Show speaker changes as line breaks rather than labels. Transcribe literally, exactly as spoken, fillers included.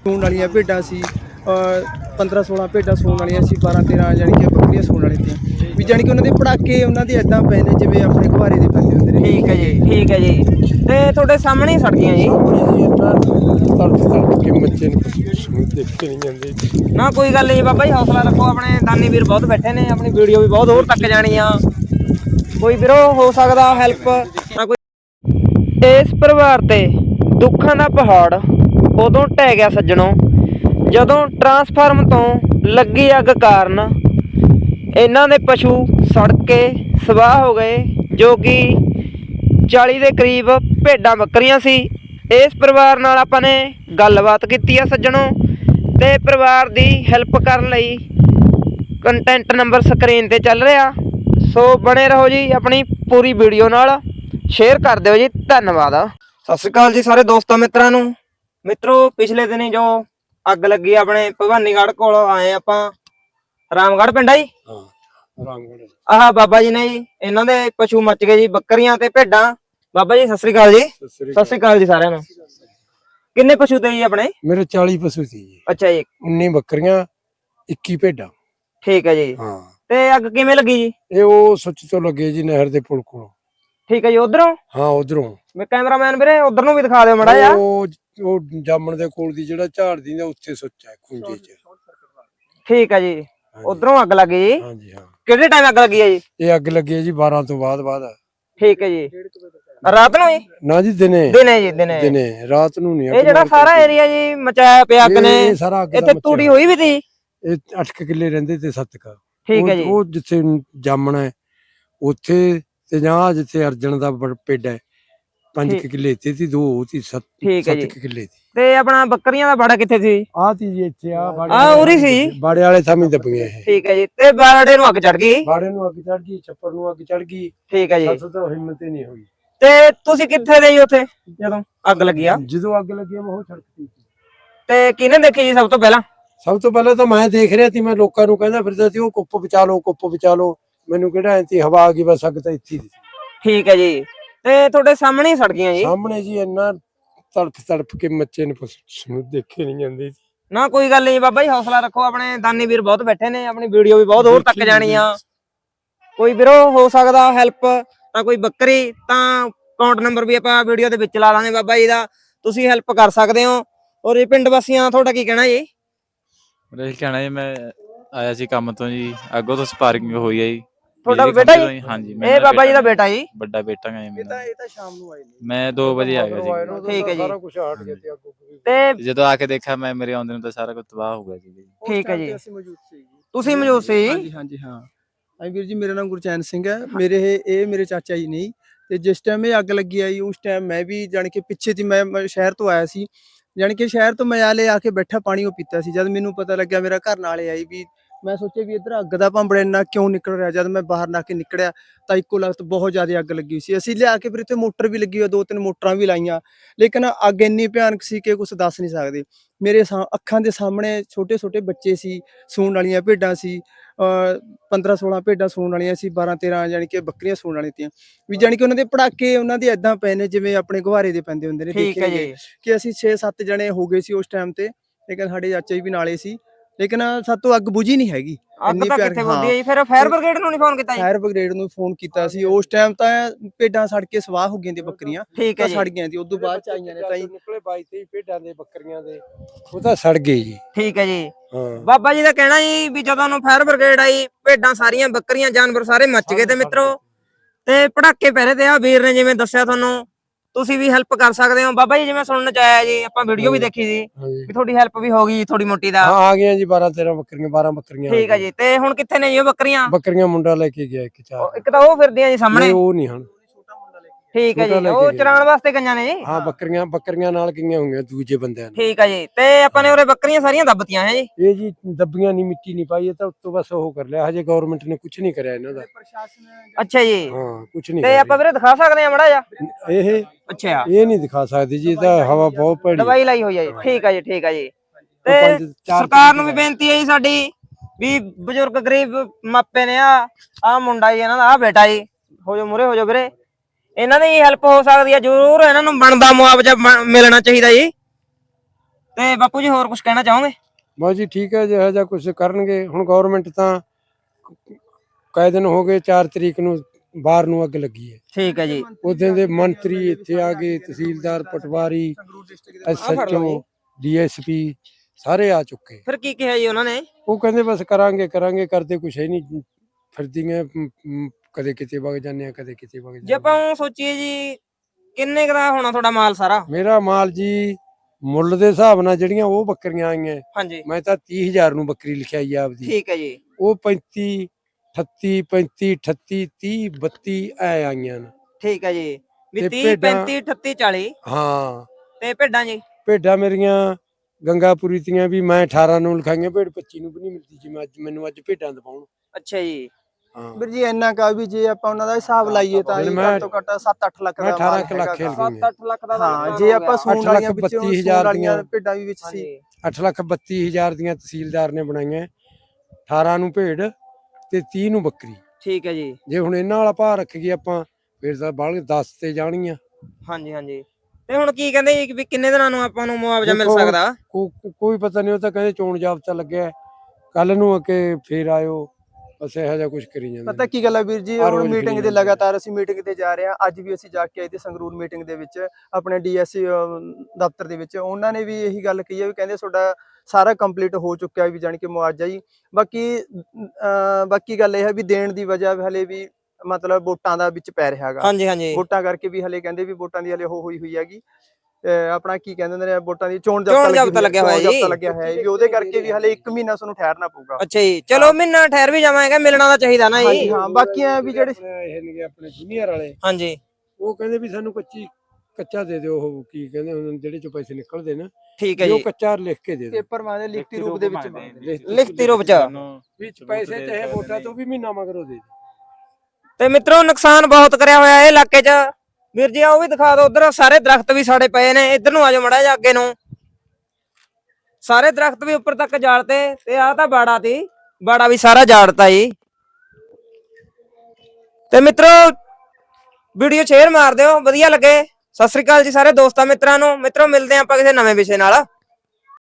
सूण वाली भेड्डां सी पंद्रह सोलह भेड्डां सूण वाली सी बारह तेरह जानी कि बकरियां सूण वाली थी भी जानी कि उन्होंने पटाके उन्होंने इदां पे ने जिवें अपने गुब्बारे दे पैंदे हुंदे ने।
ठीक है जी ठीक है जी ते तुहाडे सामने ही सड़ गईयां जी
तड़फ तड़फ के बच्चे देखते नहीं जाते
ना कोई गल नहीं बाबा जी हौसला रखो अपने दानी वीर बहुत बैठे ने अपनी वीडियो भी बहुत दूर तक जानी आ कोई वीरो हो सकदा हेल्प ना कोई इस परिवार ते दुखां दा पहाड़ उदों ढह गया सज्जणों ਜਦੋਂ ट्रांसफार्म तो लगी अग कारण इन्हां दे पशु सड़ के सवाह हो गए जो कि चालीस के करीब भेड्डां बकरियां सी। इस परिवार नाल आपां ने गलबात कीती है सज्जणों ते परिवार दी हेल्प करन लई कंटेंट नंबर स्क्रीन ते चल रहा सो बने रहो जी अपनी पूरी वीडियो नाल शेयर कर दिओ जी धन्नवाद। सत श्री अकाल जी सारे दोस्तों मित्रां नूं मित्रों पिछले दिनी जो अग लगी अपने भवानीगढ़ कोल आए आपां रामगढ़ पिंड जी आह बाबा जी ने जी इन्हां दे पशु मच गए जी बकरियां ते भेड्डां। बाबा जी सत श्री अकाल जी। सत श्री अकाल जी सारिआं नूं। किन्ने पशु ते जी अपने?
मेरे चालीस पशु सी जी।
अच्छा जी
उन्नीस बकरियां इक्कीस भेड्डां।
ठीक है जी
हां
ते अग किवें लगी जी?
ये वो सुच तो लगे जी नहर दे पुल कोल।
ठीक है जी उधरों?
हां उधरों
मैं कैमरामैन वीरे उधर नूं भी दिखा दिओ माड़ा जिहा।
ਉਹ ਜਾਮਣ ਦੇ ਕੋਲ ਦੀ ਜਿਹੜਾ ਝਾੜ ਦੀ ਉੱਥੇ ਸੁੱਚ ਹੈ ਖੁੰਝੇ ਚ।
ਠੀਕ ਹੈ ਜੀ ਉਧਰੋਂ ਅੱਗ ਲੱਗੀ ਜੀ।
ਹਾਂਜੀ ਹਾਂ
ਕਿਹੜੇ ਟਾਈਮ ਅੱਗ ਲੱਗੀ ਹੈ ਜੀ?
ਇਹ ਅੱਗ ਲੱਗੀ ਹੈ ਜੀ ਬਾਰਾਂ ਤੋਂ ਬਾਅਦ ਬਾਅਦ।
ਠੀਕ ਹੈ ਜੀ ਰਾਤ ਨੂੰ ਜੀ?
ਨਾ ਜੀ ਦਿਨੇ
ਦਿਨੇ ਜੀ ਦਿਨੇ
ਦਿਨੇ ਰਾਤ ਨੂੰ ਨਹੀਂ।
ਇਹ ਜਿਹੜਾ ਸਾਰਾ ਏਰੀਆ ਜੀ ਮਚਾਇਆ ਪਿਆ ਅੱਗ ਨੇ ਇੱਥੇ ਤੂੜੀ ਹੋਈ ਵੀ ਸੀ?
ਇਹ ਅੱਠ ਕਿੱਲੇ ਰਹਿੰਦੇ ਤੇ ਸੱਤ ਕ।
ਠੀਕ ਹੈ ਜੀ
ਉਹ ਜਿੱਥੇ ਜਾਮਣ ਹੈ ਉੱਥੇ ਤੇ ਜਾਂ ਜਿੱਥੇ ਅਰਜਨ ਦਾ ਪਿੰਡ ਹੈ ਪੰਜ ਕਿੱਲੇ ਤੇ ਸੀ ਦੋ ਸੀ ਸੱਤ ਸੱਤ ਕਿੱਲੇ ਸੀ।
ਤੇ ਆਪਣਾ ਬੱਕਰੀਆਂ ਦਾ ਬਾੜਾ ਕਿੱਥੇ ਸੀ?
ਆ ਤੀ ਜੀ ਇੱਥੇ ਆ ਬਾੜੇ
ਆ ਉਰੀ ਸੀ
ਬਾੜੇ ਵਾਲੇ ਥਾਂ ਹੀ ਦੱਬੀਆਂ ਇਹ।
ਠੀਕ ਹੈ ਜੀ ਤੇ ਬਾੜੇ ਨੂੰ ਅੱਗ ਚੜ ਗਈ?
ਬਾੜੇ ਨੂੰ ਅੱਗ ਚੜ ਗਈ ਛੱਪਰ ਨੂੰ ਅੱਗ ਚੜ ਗਈ।
ਠੀਕ ਹੈ ਜੀ
ਸਾਥੋਂ ਤਾਂ ਹਿੰਮਤ ਹੀ ਨਹੀਂ ਹੋਈ।
ਤੇ ਤੁਸੀਂ ਕਿੱਥੇ ਦੇ ਜੀ ਉੱਥੇ ਜਦੋਂ ਅੱਗ ਲੱਗੀ ਆ?
ਜਦੋਂ ਅੱਗ ਲੱਗੀ ਮੈਂ ਉਹ ਛੜਕਤੀ ਸੀ।
ਤੇ ਕਿਹਨੇ ਦੇਖੀ ਜੀ ਸਭ ਤੋਂ ਪਹਿਲਾਂ?
ਸਭ ਤੋਂ ਪਹਿਲਾਂ ਤਾਂ ਮੈਂ ਦੇਖ ਰਿਹਾ ਸੀ ਮੈਂ ਲੋਕਾਂ ਨੂੰ ਕਹਿੰਦਾ ਫਿਰਦਾ ਸੀ ਉਹ ਕੁੱਪ ਬਚਾ ਲਓ ਕੁੱਪ ਬਚਾ ਲਓ ਮੈਨੂੰ ਕਿਹੜਾ ਐ ਸੀ ਹਵਾ ਆ ਗਈ ਬਸ ਅੱਗ ਤਾਂ ਇੱਥੇ ਹੀ ਸੀ।
ਠੀਕ ਹੈ ਜੀ ਤੇ ਤੁਹਾਡੇ ਸਾਹਮਣੇ ਹੀ ਸੜ ਗਈਆਂ ਜੀ?
ਸਾਹਮਣੇ ਜੀ ਇੰਨਾ ਤੜਫ ਤੜਫ ਕੇ ਮੱਚੇ ਨੇ ਪਸ਼ੂ ਦੇਖੇ ਨਹੀਂ ਜਾਂਦੇ।
ਨਾ ਕੋਈ ਗੱਲ ਨਹੀਂ ਬਾਬਾ ਜੀ ਹੌਸਲਾ ਰੱਖੋ ਆਪਣੇ ਦਾਨੀ ਵੀਰ ਬਹੁਤ ਬੈਠੇ ਨੇ ਆਪਣੀ ਵੀਡੀਓ ਵੀ ਬਹੁਤ ਦੂਰ ਤੱਕ ਜਾਣੀ ਆ ਕੋਈ ਵੀਰੋ ਹੋ ਸਕਦਾ ਹੈਲਪ ਤਾਂ ਕੋਈ ਬੱਕਰੀ ਤਾਂ ਅਕਾਊਂਟ ਨੰਬਰ ਵੀ ਆਪਾਂ ਵੀਡੀਓ ਦੇ ਵਿੱਚ ਲਾ ਲਾਂਗੇ ਬਾਬਾ ਜੀ ਦਾ ਤੁਸੀਂ ਹੈਲਪ ਕਰ ਸਕਦੇ ਹੋ। ਔਰ ਇਹ ਪਿੰਡ ਵਾਸੀਆਂ ਤੁਹਾਡਾ ਕੀ ਕਹਿਣਾ ਜੀ?
ਮੇਰਾ ਇਹ ਕਹਿਣਾ ਜੀ ਮੈਂ ਆਇਆ ਸੀ ਕੰਮ ਤੋਂ ਜੀ ਅੱਗੋਂ ਤੋਂ ਸਪਾਰਕਿੰਗ ਹੋਈ ਹੈ ਜੀ।
ਤੁਹਾਡਾ ਬੇਟਾ ਜੀ?
ਹਾਂਜੀ
ਇਹ ਬਾਬਾ ਜੀ ਦਾ ਬੇਟਾ ਜੀ?
ਵੱਡਾ ਬੇਟਾ ਹੈ ਜੀ।
ਇਹ ਤਾਂ ਇਹ ਤਾਂ ਸ਼ਾਮ ਨੂੰ ਆਏ ਨੇ
ਮੈਂ ਦੋ ਵਜੇ ਆ ਗਿਆ ਜੀ।
ਠੀਕ ਹੈ ਜੀ
ਸਾਰਾ ਕੁਝ ਹਟ ਗਿਆ ਤੇ ਅੱਗੋਂ
ਤੇ
ਜਦੋਂ ਆ ਕੇ ਦੇਖਿਆ ਮੈਂ ਮੇਰੇ ਆਉਂਦੇ ਨੂੰ ਤਾਂ ਸਾਰਾ ਕੁਝ ਤਬਾਹ ਹੋ ਗਿਆ ਜੀ।
ਠੀਕ ਹੈ ਜੀ
ਅਸੀਂ ਮੌਜੂਦ ਸੀ ਜੀ।
ਤੁਸੀਂ ਮੌਜੂਦ ਸੀ?
ਹਾਂਜੀ ਹਾਂਜੀ ਹਾਂ ਹਾਂਜੀ ਵੀਰ ਜੀ ਮੇਰਾ ਨਾਮ ਗੁਰਚੈਨ ਸਿੰਘ ਹੈ। ਮੇਰੇ ਇਹ ਮੇਰੇ ਚਾਚਾ ਜੀ ਨਹੀਂ ਤੇ ਜਿਸ ਟਾਈਮ ਇਹ ਅੱਗ ਲੱਗੀ ਆਈ ਉਸ ਟਾਈਮ ਮੈਂ ਵੀ ਜਾਣ ਕੇ ਪਿੱਛੇ ਸੀ ਮੈਂ ਸ਼ਹਿਰ ਤੋਂ ਆਇਆ ਸੀ ਜਾਣ ਕੇ ਸ਼ਹਿਰ ਤੋਂ ਮੈਂ ਆਲੇ ਆ ਕੇ ਬੈਠਾ ਪਾਣੀ ਉਹ ਪੀਤਾ ਸੀ। ਜਦ ਮੈਨੂੰ ਪਤਾ ਲੱਗਿਆ ਮੇਰਾ ਘਰ ਨਾਲੇ ਆਈ ਵੀ ਮੈਂ ਸੋਚਿਆ ਵੀ ਇੱਧਰ ਅੱਗ ਦਾ ਭਾਂਬੜਾ ਇੰਨਾ ਕਿਉਂ ਨਿਕਲ ਰਿਹਾ। ਜਦ ਮੈਂ ਬਾਹਰ ਨਾ ਕੇ ਨਿਕਲਿਆ ਤਾਂ ਇੱਕੋ ਲਖਤ ਬਹੁਤ ਜ਼ਿਆਦਾ ਅੱਗ ਲੱਗੀ ਸੀ। ਅਸੀਂ ਲਿਆ ਕੇ ਫਿਰ ਇੱਥੇ ਮੋਟਰ ਵੀ ਲੱਗੀ ਹੋਈ ਦੋ ਤਿੰਨ ਮੋਟਰਾਂ ਵੀ ਲਾਈਆਂ ਲੇਕਿਨ ਅੱਗ ਇੰਨੀ ਭਿਆਨਕ ਸੀ ਕਿ ਕੁਛ ਦੱਸ ਨਹੀਂ ਸਕਦੇ। ਮੇਰੇ ਅੱਖਾਂ ਦੇ ਸਾਹਮਣੇ ਛੋਟੇ ਛੋਟੇ ਬੱਚੇ ਸੀ ਸੂਣ ਵਾਲੀਆਂ ਭੇਡਾਂ ਸੀ ਪੰਦਰਾਂ ਸੋਲ੍ਹਾਂ ਭੇਡਾਂ ਸੂਣ ਵਾਲੀਆਂ ਸੀ ਬਾਰਾਂ ਤੇਰ੍ਹਾਂ ਜਾਣੀ ਕਿ ਬੱਕਰੀਆਂ ਸੂਣ ਵਾਲੀਆਂ ਤੀਆਂ ਵੀ ਜਾਣੀ ਕਿ ਉਹਨਾਂ ਦੇ ਪਟਾਕੇ ਉਹਨਾਂ ਦੇ ਏਦਾਂ ਪਏ ਨੇ ਜਿਵੇਂ ਆਪਣੇ ਗੁਬਾਰੇ ਦੇ ਪੈਂਦੇ ਹੁੰਦੇ ਨੇ। ਦੇਖੇ ਕਿ ਅਸੀਂ ਛੇ ਸੱਤ ਜਣੇ ਹੋ ਗਏ ਸੀ ਉਸ ਟਾਈਮ ਤੇ ਲੇਕਿਨ ਸਾਡੇ ਚਾਚਾ ਜੀ ਵੀ ਨਾਲੇ ਸੀ ਲੇਕਿਨ ਸਾਤੋਂ ਅੱਗ ਬੁਝੀ ਨਹੀਂ ਹੈਗੀ।
ਅੱਗ ਤਾਂ ਕਿੱਥੇ ਬੁਝਦੀ ਹੈ ਜੀ? ਫਿਰ ਫਾਇਰ ਬ੍ਰਿਗੇਡ ਨੂੰ ਨਹੀਂ ਫੋਨ ਕੀਤਾ ਜੀ?
ਫਾਇਰ ਬ੍ਰਿਗੇਡ ਨੂੰ ਫੋਨ ਕੀਤਾ ਸੀ ਉਸ ਟਾਈਮ ਤਾਂ ਭੇਡਾਂ ਸੜ ਕੇ ਸਵਾਹ ਹੋ ਗਈਆਂ ਤੇ ਬੱਕਰੀਆਂ
ਠੀਕ ਹੈ ਜੀ
ਸੜ ਗਈਆਂ ਸੀ ਉਦੋਂ ਬਾਅਦ ਚ ਆਈਆਂ ਨੇ ਤਾਂ
ਨਿਕਲੇ ਬਾਈ ਤੇਈ ਭੇਡਾਂ ਦੇ ਬੱਕਰੀਆਂ ਦੇ ਉਹ ਤਾਂ ਸੜ ਗਏ ਜੀ।
ਠੀਕ ਹੈ ਜੀ
ਹਾਂ
ਬਾਬਾ ਜੀ ਦਾ ਕਹਿਣਾ ਜੀ ਵੀ ਜਦੋਂ ਨੂੰ ਫਾਇਰ ਬ੍ਰਿਗੇਡ ਆਈ ਭੇਡਾਂ ਸਾਰੀਆਂ ਬੱਕਰੀਆਂ ਜਾਨਵਰ ਸਾਰੇ ਮੱਚ ਗਏ ਤੇ ਮਿੱਤਰੋ ਤੇ ਪਟਾਕੇ ਪਹਿਰੇ ਤੇ ਆ ਵੀਰ ਨੇ ਜਿਵੇਂ ਦੱਸਿਆ ਤੁਹਾਨੂੰ ਤੁਸੀਂ ਵੀ ਹੈਲਪ ਕਰ ਸਕਦੇ ਹੋ। ਬਾਬਾ ਜੀ ਜਿਵੇਂ ਸੁਣਨ ਚ ਆਇਆ ਜੀ ਆਪਾਂ ਵੀਡੀਓ ਵੀ ਦੇਖੀ ਸੀ ਵੀ ਤੁਹਾਡੀ ਹੈਲਪ ਵੀ ਹੋ ਗਈ ਥੋੜੀ ਮੋਟੀ ਦਾ?
ਹਾਂ ਆ ਗਈਆਂ ਜੀ ਬਾਰਾਂ ਤੇਰ੍ਹਾਂ ਬੱਕਰੀਆਂ ਬਾਰਾਂ ਬੱਕਰੀਆਂ।
ਠੀਕ ਹੈ ਜੀ ਤੇ ਹੁਣ ਕਿੱਥੇ ਨੇ ਜੀ ਉਹ ਬੱਕਰੀਆਂ?
ਬੱਕਰੀਆਂ ਮੁੰਡਾ ਲੈ ਕੇ ਗਿਆ ਇੱਕ ਚਾਰ
ਇੱਕ ਤਾਂ ਉਹ ਫਿਰਦੀਆਂ ਜੀ ਸਾਹਮਣੇ
ਉਹ ਨਹੀਂ ਹਨ।
ਠੀਕ ਹੈ ਜੀ ਉਹ ਚਰਾਉਣ ਵਾਸਤੇ ਗਈਆਂ ਨੇ ਜੀ?
ਹਾਂ ਬੱਕਰੀਆਂ ਬੱਕਰੀਆਂ ਨਾਲ ਗਈਆਂ ਹੋਈਆਂ ਦੂਜੇ ਬੰਦਿਆਂ ਨੇ।
ਠੀਕ ਹੈ ਜੀ ਤੇ ਆਪਾਂ ਨੇ ਉਰੇ ਬੱਕਰੀਆਂ ਸਾਰੀਆਂ ਦੱਬਤੀਆਂ ਹੈ ਜੀ?
ਇਹ ਜੀ ਦੱਬੀਆਂ ਨਹੀਂ ਮਿੱਟੀ ਨਹੀਂ ਪਾਈ ਇਹ ਤਾਂ ਉੱਤੋਂ ਬਸ ਉਹ ਕਰ ਲਿਆ ਹਜੇ ਗਵਰਨਮੈਂਟ ਨੇ ਕੁਝ ਨਹੀਂ ਕਰਿਆ ਇਹਨਾਂ ਦਾ।
ਅੱਛਾ ਜੀ
ਹਾਂ ਕੁਝ ਨਹੀਂ
ਤੇ ਆਪਾਂ ਵੀਰੇ ਦਿਖਾ ਸਕਦੇ ਆ ਮੜਾ ਜਾ
ਇਹ
ਅੱਛਾ
ਇਹ ਨਹੀਂ ਦਿਖਾ ਸਕਦੇ ਜੀ ਇਹ ਤਾਂ ਹਵਾ ਬਹੁਤ ਭੈੜੀ
ਦਵਾਈ ਲਾਈ ਹੋਈ ਹੈ ਜੀ। ਠੀਕ ਹੈ ਜੀ ਠੀਕ ਹੈ ਜੀ ਤੇ ਸਰਕਾਰ ਨੂੰ ਵੀ ਬੇਨਤੀ ਹੈ ਜੀ ਸਾਡੀ ਵੀ ਬਜ਼ੁਰਗ ਗਰੀਬ ਮਾਪੇ ਨੇ ਆ ਆ ਮੁੰਡਾ ਜੀ ਇਹਨਾਂ ਦਾ ਆ ਬੇਟਾ ਜੀ ਹੋ ਜਾ ਮੁਰੇ ਹੋ ਜਾ ਵੀਰੇ ਇਹਨਾਂ ਦੀ ਹੈਲਪ ਹੋ ਸਕਦੀ ਹੈ ਜ਼ਰੂਰ ਇਹਨਾਂ ਨੂੰ ਬਣਦਾ ਮੁਆਵਜ਼ਾ ਮਿਲਣਾ ਚਾਹੀਦਾ ਜੀ। ਤੇ ਬਾਪੂ ਜੀ ਹੋਰ ਕੁਝ ਕਹਿਣਾ ਚਾਹੋਗੇ?
ਬਸ ਜੀ ਠੀਕ ਹੈ, ਜਿਹੋ ਜਿਹਾ ਕੁਝ ਕਰਨਗੇ। ਹੁਣ ਗਵਰਨਮੈਂਟ ਤਾਂ ਕਈ ਦਿਨ ਹੋ ਗਏ, ਚਾਰ ਤਰੀਕ ਨੂੰ ਬਾਹਰ ਨੂੰ ਅੱਗ ਲੱਗੀ ਹੈ।
ਠੀਕ ਹੈ ਜੀ।
ਉਦੋਂ ਦੇ ਮੰਤਰੀ ਇੱਥੇ ਆ ਗਏ, ਤਹਿਸੀਲਦਾਰ, ਪਟਵਾਰੀ, ਐਸਐਚਓ, ਡੀਐਸਪੀ ਸਾਰੇ ਆ ਚੁੱਕੇ।
ਫਿਰ ਕੀ ਕਿਹਾ ਜੀ ਉਹਨਾਂ ਨੇ?
ਉਹ ਕਹਿੰਦੇ ਬਸ ਕਰਾਂਗੇ ਕਰਾਂਗੇ, ਕਰਦੇ ਕੁਛ ਹੈ ਨਹੀਂ, ਫਿਰਦੀਆਂ ਕਦੇ ਕਿਤੇ ਵਗ ਜਾਂਦੇ ਆ, ਕਦੇ ਕਿਤੇ ਵਗ
ਜੇ
ਜਾਂਦੇ
ਆਪਾਂ
ਆ।
ਊਂ ਸੋਚੀਏ ਜੀ ਕਿੰਨੇ ਕੁ ਦਾ ਹੋਣਾ ਤੁਹਾਡਾ ਮਾਲ ਸਾਰਾ?
ਮੇਰਾ ਮਾਲ ਜੀ ਮੁੱਲ ਦੇ ਹਿਸਾਬ ਨਾਲ ਜਿਹੜੀਆਂ ਉਹ ਬੱਕਰੀਆਂ ਆਈਆਂ,
ਹਾਂਜੀ
ਮੈਂ ਤਾਂ ਤੀਹ ਹਜ਼ਾਰ ਨੂੰ ਬੱਕਰੀ ਲਿਖਾਈ ਆ ਆਪਦੀ।
ਠੀਕ ਹੈ ਜੀ।
ਉਹ ਪੈਂਤੀ ਅਠੱਤੀ ਪੈਂਤੀ ਅਠੱਤੀ ਤੀਹ ਬੱਤੀ ਐ ਆਈਆਂ ਨੇ।
ਠੀਕ ਹੈ ਜੀ, ਵੀ
ਤੇ
ਤੀਹ
ਭੇਡਾਂ-
ਪੈਂਤੀ ਅਠੱਤੀ ਚਾਲੀ।
ਹਾਂ
ਤੇ ਭੇਡਾਂ ਜੀ?
ਭੇਡਾਂ ਮੇਰੀਆਂ ਗੰਗਾਪੁਰੀ ਦੀਆਂ ਵੀ ਮੈਂ ਅਠਾਰਾਂ ਨੂੰ ਲਿਖਾਈਆਂ, ਭੇਡ ਪੱਚੀ ਨੂੰ ਵੀ ਨਹੀਂ ਮਿਲਦੀ ਜੀ। ਮੈਂ ਅੱਜ ਮੈਨੂੰ ਅੱਜ ਭੇਡਾਂ ਦਵਾਉਣ।
ਅੱਛਾ ਜੀ।
ਹਾਂ
ਵੀਰ ਜੀ ਇੰਨਾ ਕਾ ਵੀ ਜੇ ਆਪਾਂ ਉਹਨਾਂ ਦਾ ਹਿਸਾਬ ਲਾਈਏ ਤਾਂ
ਹੁਣ
ਇਹ
ਮੈਂ-
ਘੱਟ ਤੋਂ ਘੱਟ ਸੱਤ ਅੱਠ ਲੱਖ
ਮੈਂ
ਦਾ
ਅਠਾਰਾਂ
ਮਾਲ
ਕੁ ਲੱਖ
ਹੈਗਾ
ਖੇਲ
ਗਾ।
ਗਈ।
ਸੱਤ ਅੱਠ ਲੱਖ ਦਾ
ਹਾਂ
ਨੁਕਸਾਨ
ਜੇ
ਹੋ
ਆਪਾਂ
ਗਿਆ।
ਸੂਣ
ਅੱਠ
ਵਾਲੀਆਂ
ਲੱਖ
ਵਿੱਚੋਂ
ਬੱਤੀ
ਸੂਣ
ਹਜ਼ਾਰ
ਵਾਲੀਆਂ
ਦੀਆਂ।
ਭੇਡਾਂ ਵੀ ਵਿੱਚ ਸੀ।
ਹਾਂਜੀ।
ਅੱਠ ਲੱਖ ਬੱਤੀ ਹਜ਼ਾਰ ਦੀਆਂ ਤਹਿਸੀਲਦਾਰ ਨੇ ਬਣਾਈਆਂ, ਅਠਾਰਾਂ ਨੂੰ ਭੇਡ ਤੇ ਤੀਹ ਨੂੰ ਬੱਕਰੀ।
ਠੀਕ ਹੈ ਜੀ।
ਜੇ ਹੁਣ ਇਹਨਾਂ ਵਾਲਾ ਭਾਅ ਰੱਖ ਗਏ ਆਪਾਂ ਫਿਰ ਤਾਂ ਬਾਹਲੇ ਦਸ ਤੇ ਜਾਣੀਆਂ।
ਹਾਂਜੀ ਹਾਂਜੀ। ਤੇ ਹੁਣ ਕੀ ਕਹਿੰਦੇ ਜੀ ਵੀ ਕਿੰਨੇ ਦਿਨਾਂ ਨੂੰ ਆਪਾਂ ਨੂੰ ਮੁਆਵਜ਼ਾ ਮਿਲ
ਦੇਖੋ,
ਸਕਦਾ?
ਕੋ- ਕੋਈ ਪਤਾ ਨਹੀਂ, ਉਹ ਤਾਂ ਕਹਿੰਦੇ ਚੋਣ ਜਾਬਤਾ ਲੱਗਿਆ ਕੱਲ ਨੂੰ ਆ ਕੇ ਫੇਰ ਆਇਓ, ਬਸ ਇਹੋ ਜਿਹਾ ਕੁਝ ਕਰੀ ਜਾਂਦੇ
ਪਤਾ
ਨੇ।
ਕੀ ਗੱਲ ਹੈ ਵੀਰ ਜੀ,
ਹਰ
ਹੁਣ
ਰੋਜ਼
ਮੀਟਿੰਗ
ਫਿਰੀ
ਦੇ
ਜਾਂਦੇ
ਲਗਾਤਾਰ ਅਸੀਂ ਮੀਟਿੰਗ ਤੇ ਜਾ ਰਹੇ ਹਾਂ। ਅੱਜ ਵੀ ਅਸੀਂ ਜਾ ਕੇ ਆਏ ਤੇ ਸੰਗਰੂਰ ਮੀਟਿੰਗ ਦੇ ਵਿੱਚ ਆਪਣੇ ਡੀਐਸਸੀ ਦਫ਼ਤਰ ਦੇ ਵਿੱਚ। ਉਹਨਾਂ ਨੇ ਵੀ ਇਹੀ ਗੱਲ ਕਹੀ ਹੈ ਵੀ ਕਹਿੰਦੇ ਤੁਹਾਡਾ ਸਾਰਾ ਕੰਪਲੀਟ ਹੋ ਚੁੱਕਿਆ ਵੀ ਜਾਣੀ ਕਿ ਮੁਆਵਜ਼ਾ ਜੀ। ਬਾਕੀ ਅਹ ਬਾਕੀ ਗੱਲ ਇਹ ਹੈ ਵੀ ਦੇਣ ਦੀ ਵਜ੍ਹਾ ਹਲੇ ਵੀ ਮਤਲਬ ਵੋਟਾਂ ਦਾ ਵਿੱਚ ਪੈ ਰਿਹਾ ਹੈਗਾ।
ਹਾਂਜੀ ਹਾਂਜੀ।
ਵੋਟਾਂ ਕਰਕੇ ਵੀ ਹਲੇ ਕਹਿੰਦੇ ਵੀ ਵੋਟਾਂ ਦੀ ਹਲੇ ਉਹ ਹੋਈ ਹੋਈ ਹੈਗੀ, ਅਹ ਆਪਣਾ ਕੀ ਕਹਿੰਦੇ ਨੇ ਵੋਟਾਂ ਦੀ ਚੋਣ
ਚੋਣ
ਜਾਬਤਾ
ਜਾਬਤਾ ਲੱਗਿਆ ਹੋਇਆ
ਚੋਣ ਜਾਬਤਾ
ਜੀ।
ਲੱਗਿਆ ਹੋਇਆ ਵੀ ਉਹਦੇ ਕਰਕੇ ਵੀ ਹਲੇ ਇੱਕ ਮਹੀਨਾ ਤੁਹਾਨੂੰ ਠਹਿਰਨਾ ਪਊਗਾ।
ਅੱਛਾ ਜੀ, ਚਲੋ ਮਹੀਨਾ ਠਹਿਰ ਵੀ ਜਾਵਾਂਗਾ, ਮਿਲਣਾ ਤਾਂ ਚਾਹੀਦਾ ਨਾ
ਹਾਂਜੀ
ਜੀ।
ਹਾਂ। ਬਾਕੀ ਐ ਵੀ ਜਿਹੜੇ
ਆਪਣੇ ਇਹ ਨੇਗੇ ਆਪਣੇ ਜੂਨੀਅਰ ਵਾਲੇ,
ਹਾਂਜੀ
ਉਹ ਕਹਿੰਦੇ ਵੀ ਸਾਨੂੰ ਕੱਚੀ ਕੱਚਾ ਦੇ ਦਿਓ। ਉਹ ਕੀ ਕਹਿੰਦੇ ਹੁਣ ਜਿਹੜੇ ਚੋਂ ਪੈਸੇ ਨਿਕਲਦੇ ਨਾ,
ਠੀਕ ਹੈ
ਵੀ ਉਹ
ਜੀ।
ਕੱਚਾ ਲਿਖ ਕੇ ਦੇ ਦਿਓ।
ਪੇਪਰ ਮਾਦੇ ਲਿਖਤੀ ਰੂਪ ਦੇ ਵਿੱਚ ਮੰਗਦੇ।
ਲਿਖਤੀ ਰੂਪ ਚ
ਵਿੱਚ ਪੈਸੇ ਚਾਹੇ ਵੋਟਾਂ ਤੋਂ ਵੀ ਮਹੀਨਾ ਮਗਰੋਂ ਦੇ ਦਿਓ।
ਤੇ ਮਿੱਤਰੋ ਨੁਕਸਾਨ ਬਹੁਤ ਕਰਿਆ ਹੋਇਆ ਇਹ ਇਲਾਕੇ 'ਚ। ਵੀਰ ਜੀ ਉਹ ਵੀ ਦਿਖਾ ਦਿਓ, ਉਧਰ ਸਾਰੇ ਦਰਖਤ ਵੀ ਸਾਡੇ ਪਏ ਨੇ। ਇੱਧਰ ਨੂੰ ਆ ਜਾਓ ਮੜਾ ਜਾ ਅੱਗੇ ਨੂੰ, ਸਾਰੇ ਦਰਖਤ ਵੀ ਉੱਪਰ ਤੱਕ ਜਾੜਤੇ। ਤੇ ਆਹ ਤਾਂ ਬਾੜਾ ਤੀ, ਬਾੜਾ ਵੀ ਸਾਰਾ ਜਾੜਤਾ ਜੀ। ਤੇ ਮਿੱਤਰੋ ਵੀਡੀਓ ਸ਼ੇਅਰ ਮਾਰ ਦਿਓ, ਵਧੀਆ ਲੱਗੇ। ਸਤਿ ਸ੍ਰੀ ਅਕਾਲ ਜੀ ਸਾਰੇ ਦੋਸਤਾਂ ਮਿੱਤਰਾਂ ਨੂੰ। ਮਿੱਤਰੋ ਮਿਲਦੇ ਆਪਾਂ ਕਿਸੇ ਨਵੇਂ ਵਿਸ਼ੇ ਨਾਲ।